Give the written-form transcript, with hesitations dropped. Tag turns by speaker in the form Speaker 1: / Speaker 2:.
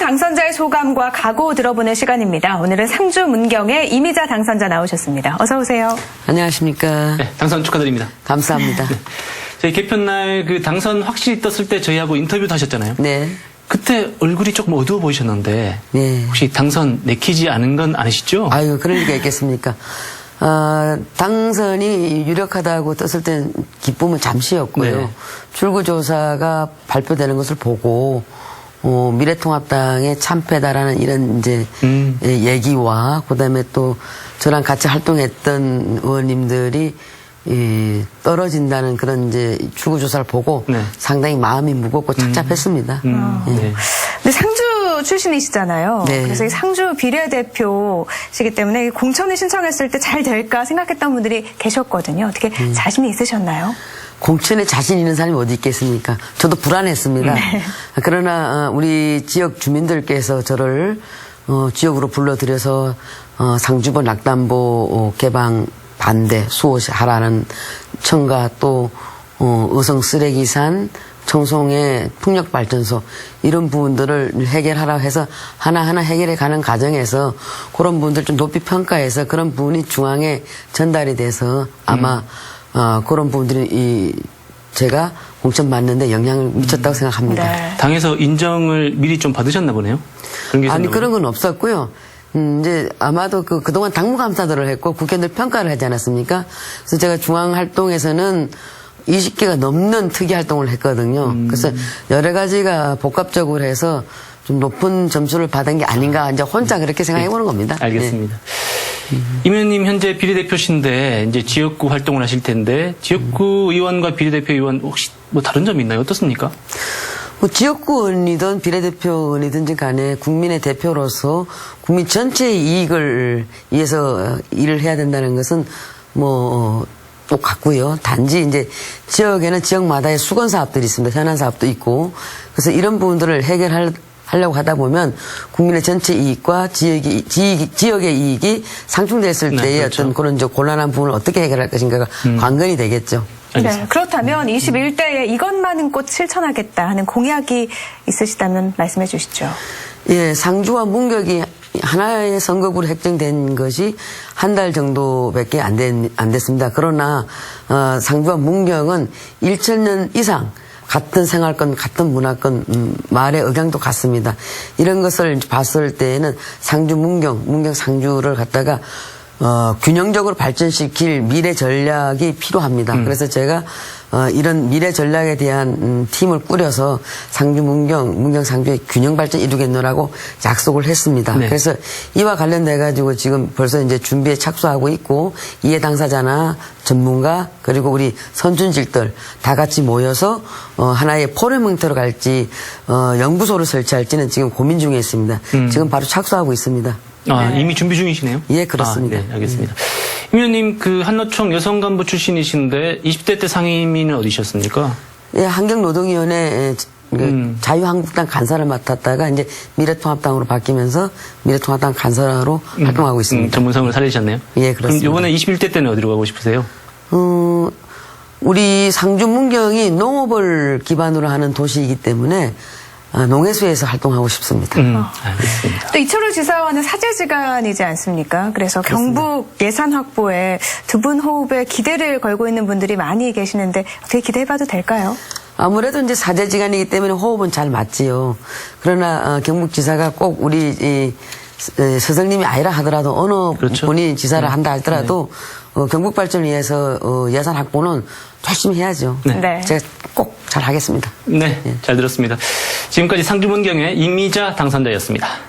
Speaker 1: 당선자의 소감과 각오 들어보는 시간입니다. 오늘은 상주 문경의 이미자 당선자 나오셨습니다. 어서 오세요.
Speaker 2: 안녕하십니까.
Speaker 3: 네, 당선 축하드립니다.
Speaker 2: 감사합니다.
Speaker 3: 네. 저희 개편날 그 당선 확실히 떴을 때 저희하고 인터뷰도 하셨잖아요.
Speaker 2: 네.
Speaker 3: 그때 얼굴이 조금 어두워 보이셨는데
Speaker 2: 네.
Speaker 3: 혹시 당선 내키지 않은 건 아니시죠?
Speaker 2: 아유, 그럴 리가 있겠습니까. 당선이 유력하다고 떴을 땐 기쁨은 잠시였고요.
Speaker 3: 네.
Speaker 2: 출구조사가 발표되는 것을 보고 미래통합당의 참패다라는 이런 이제 얘기와 그다음에 또 저랑 같이 활동했던 의원님들이 떨어진다는 그런 이제 출구조사를 보고
Speaker 3: 네.
Speaker 2: 상당히 마음이 무겁고 착잡했습니다.
Speaker 3: 네.
Speaker 1: 근데 상주 출신이시잖아요.
Speaker 2: 네.
Speaker 1: 그래서 이 상주 비례대표시기 때문에 공천을 신청했을 때 잘 될까 생각했던 분들이 계셨거든요. 어떻게 자신이 있으셨나요?
Speaker 2: 공천에 자신 있는 사람이 어디 있겠습니까? 저도 불안했습니다.
Speaker 1: 네.
Speaker 2: 그러나 우리 지역 주민들께서 저를 지역으로 불러들여서 상주보 낙담보 개방 반대 수호하라는 청가 또 의성 쓰레기산 청송의 풍력발전소 이런 부분들을 해결하라고 해서 하나하나 해결해 가는 과정에서 그런 부분들 좀 높이 평가해서 그런 부분이 중앙에 전달이 돼서 아마 그런 부분들이 제가 공천 받는데 영향을 미쳤다고 생각합니다.
Speaker 1: 네.
Speaker 3: 당에서 인정을 미리 좀 받으셨나 보네요. 그런 게
Speaker 2: 아니
Speaker 3: 있었나
Speaker 2: 그런 건 없었고요. 이제 아마도 그동안 당무감사들을 했고 국회의원들 평가를 하지 않았습니까? 그래서 제가 중앙 활동에서는 20개가 넘는 특이 활동을 했거든요. 그래서 여러 가지가 복합적으로 해서 좀 높은 점수를 받은 게 아닌가 이제 혼자 그렇게 생각해 보는 겁니다.
Speaker 3: 알겠습니다. 임 의원님 현재 비례대표신데 이제 지역구 활동을 하실 텐데 지역구 의원과 비례대표 의원 혹시 뭐 다른 점이 있나요? 어떻습니까?
Speaker 2: 뭐 지역구 의원이든 비례대표 의원이든지 간에 국민의 대표로서 국민 전체의 이익을 위해서 일을 해야 된다는 것은 뭐 똑같고요. 단지 이제 지역에는 지역마다의 수건 사업들이 있습니다. 현안 사업도 있고. 그래서 이런 부분들을 하려고 하다 보면 국민의 전체 이익과 지역의 이익이 상충됐을
Speaker 3: 네,
Speaker 2: 때의
Speaker 3: 그렇죠.
Speaker 2: 어떤 그런 이제 곤란한 부분을 어떻게 해결할 것인가가 관건이 되겠죠.
Speaker 1: 네, 그렇다면 21대에 이것만은 꼭 실천하겠다 하는 공약이 있으시다면 말씀해 주시죠.
Speaker 2: 예, 상주와 문격이 하나의 선거구로 획정된 것이 한 달 정도밖에 안 됐습니다. 그러나 상주와 문경은 1000년 이상 같은 생활권, 같은 문화권, 말의 억양도 같습니다. 이런 것을 봤을 때에는 상주, 문경, 상주를 갖다가 균형적으로 발전시킬 미래 전략이 필요합니다. 그래서 제가 이런 미래 전략에 대한 팀을 꾸려서 상주, 문경, 상주의 균형 발전 이루겠노라고 약속을 했습니다.
Speaker 3: 네.
Speaker 2: 그래서 이와 관련돼 가지고 지금 벌써 이제 준비에 착수하고 있고 이해 당사자나 전문가 그리고 우리 선준직들 다 같이 모여서 하나의 포럼 형태로 갈지 연구소를 설치할지는 지금 고민 중에 있습니다. 지금 바로 착수하고 있습니다.
Speaker 3: 네. 이미 준비 중이시네요?
Speaker 2: 예, 그렇습니다.
Speaker 3: 네, 알겠습니다. 임 의원님 그 한노총 여성간부 출신이신데 20대 때 상임위는 어디셨습니까?
Speaker 2: 예, 환경노동위원회 자유한국당 간사를 맡았다가 이제 미래통합당으로 바뀌면서 미래통합당 간사로 활동하고 있습니다.
Speaker 3: 전문성을 살리셨네요?
Speaker 2: 예, 그렇습니다.
Speaker 3: 그럼 이번에 21대 때는 어디로 가고 싶으세요?
Speaker 2: 우리 상주 문경이 농업을 기반으로 하는 도시이기 때문에 농해수에서 활동하고 싶습니다.
Speaker 3: 알겠습니다.
Speaker 1: 또 이철우 지사와는 사제지간이지 않습니까? 그래서 경북 예산 확보에 두 분 호흡에 기대를 걸고 있는 분들이 많이 계시는데 어떻게 기대해봐도 될까요?
Speaker 2: 아무래도 이제 사제지간이기 때문에 호흡은 잘 맞지요. 그러나 경북지사가 꼭 우리 서정님이 아니라 하더라도 어느
Speaker 3: 그렇죠.
Speaker 2: 분이 지사를 한다 하더라도 경북 발전을 위해서 예산 확보는 열심히 해야죠.
Speaker 1: 네.
Speaker 2: 제가 꼭 잘 하겠습니다.
Speaker 3: 네, 잘 들었습니다. 지금까지 상주 문경의 이미자 당선자였습니다.